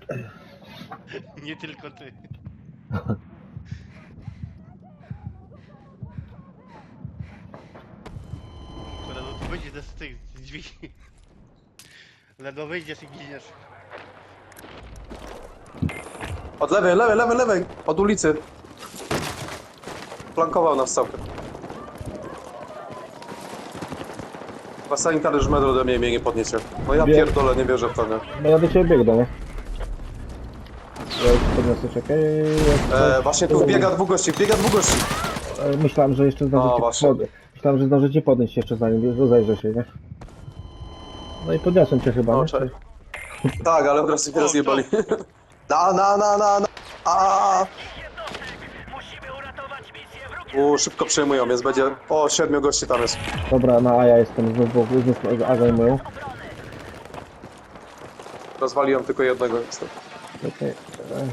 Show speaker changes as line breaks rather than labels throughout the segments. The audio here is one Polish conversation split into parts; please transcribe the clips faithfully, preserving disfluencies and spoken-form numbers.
Nie tylko ty. Kurde, no tu wyjdziesz z tych z drzwi. Ledwo wyjdziesz i giniesz.
Od lewej, lewej, lewej, lewej! Od ulicy. Flankował nas całkiem. Chyba sanitariusz już metr ode mnie mnie nie podniesie. No ja
Wie-
pierdolę, nie wierzę w to, nie?
No ja do ciebie biegnę, nie? Ja już podniosę, czekaj.
E, właśnie tu biega dwóch gości, biega dwóch gości.
E, Myślałem, że jeszcze
No,
zdążycie
właśnie.
pod... Myślałem, że zdążycie podnieść jeszcze zanim rozejrzę się, nie? No i podniosłem cię chyba,
No,
nie?
cześć. Tak, ale od razu mnie
O,
rozjebali. Na, na, na, na, na! A! U, szybko przejmują, więc będzie... O, siedmiu gości tam jest.
Dobra, na A ja jestem, znów, znów A zajmują.
Rozwaliłem tylko jednego. niestety.
Czekaj. e.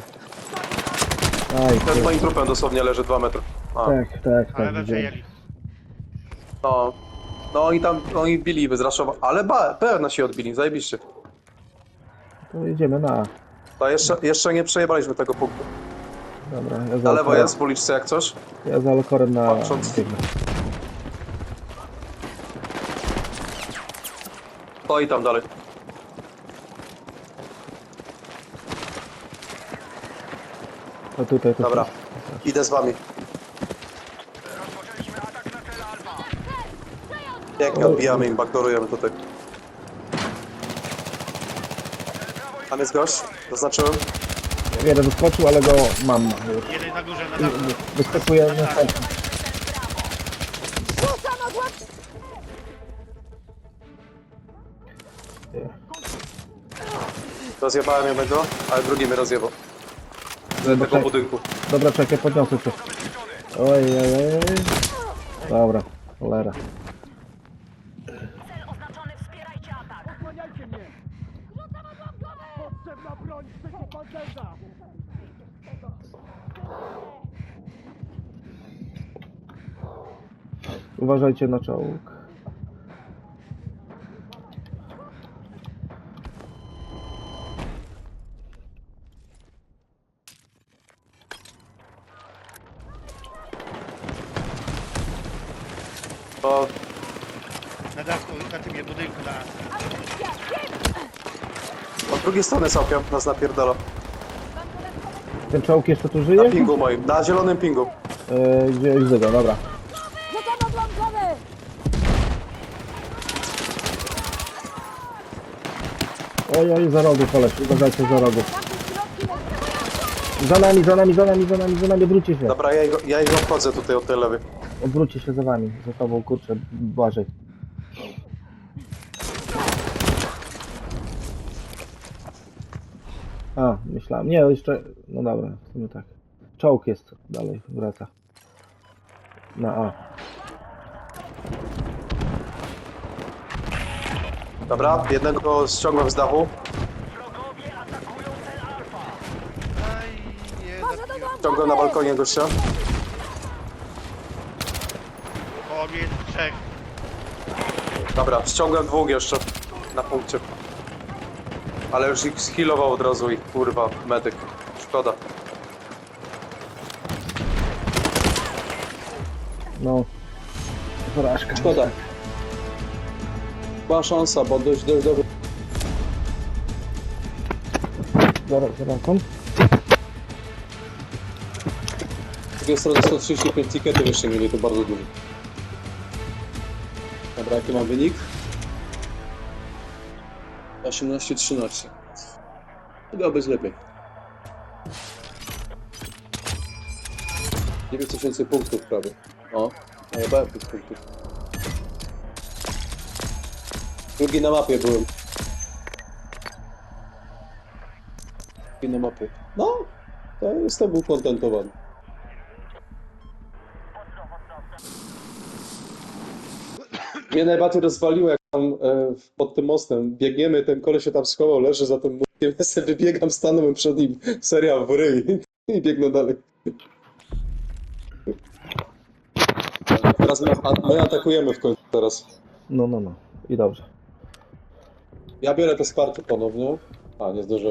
Aj,
Ten moim trupem dosłownie leży dwa metry. A,
tak, tak,
Ale
tak,
we
widziałem.
przejęli.
no. No oni tam, oni bili, wyzraszowa... Ale ba, P R nasi odbili, zajebiście.
To idziemy na A.
To jeszcze, jeszcze nie przejebaliśmy tego punktu.
Dobra, ja za
Na lewo
Alkorem-
jest w uliczce jak coś.
Ja za Alkorem na
Patrząc.
biegnę.
To i tam dalej.
O tutaj to
Dobra, idę z wami. Pięknie odbijamy im, backdoorujemy tutaj. Tam jest gość, zaznaczyłem.
jeden wyskoczył, ale go mam już.
Jeden na górze, na dachu.
Wyskakuje następny.
Rozjebałem jednego, ale drugi mnie rozjebał. Z
Dobra,
tego budynku.
Dobra, czekaj, podniosę cię. Oj, oj, oj, oj. Dobra, cholera.
Cel oznaczony, wspierajcie atak. Osłaniajcie mnie! Rzucam odłamkowy! Potrzebna broń przeciwpancerza!
Uważajcie na czołg.
To
Na dachu, na tym je budynku na...
od drugiej strony całkiem nas napierdala.
Ten czołg jeszcze tu
Na
żyje?
pingu moim, na zielonym pingu.
Yy, gdzie widzę go, dobra.
Rzucam odłamkowy!
Oj, oj, za rogu koleś, uważajcie za rogu. Za nami, za nami, za nami, za nami, za nami, odwróćcie się.
Dobra, ja, ich- ja ich obchodzę tutaj od tej lewej.
Odwróćcie się za wami, za tobą, kurczę, Błażej. A, myślałem, nie, jeszcze, no dobra, w sumie tak. Czołg jest, dalej, wraca. Na A.
Dobra, jednego ściągłem z dachu.
Aj, nie, zabiłem.
Ściągłem na balkonie gościa.
O, mnie jest trzech.
Dobra, ściągłem dwóch jeszcze na punkcie. Ale już ich skillował od razu ich, kurwa, medyk. Szkoda.
No. Porażka.
Szkoda. Była szansa, bo dość, dość dobrze.
Zaraz, zaraz, kąt.
Z drugiej strony sto trzydzieści pięć tiketów jeszcze mieli, to bardzo dużo. Dobra, jaki mam wynik? osiemnaście trzynaście. Mogło być lepiej. dziewięć tysięcy punktów prawie. O, najebałem tych punktów. Drugi na mapie byłem. Drugi na mapie. No, to jestem ukontentowany. Mnie najbardziej rozwaliło, jak tam e, pod tym mostem biegniemy, ten koleś się tam schował, leży za tym murkiem, ja sobie wybiegam, stanąłem przed nim, serial w ryj i biegnę dalej. Teraz my, a, my atakujemy w końcu teraz.
No, no, no. I dobrze.
Ja biorę to wsparcie ponownie. A, nie zdążyłem.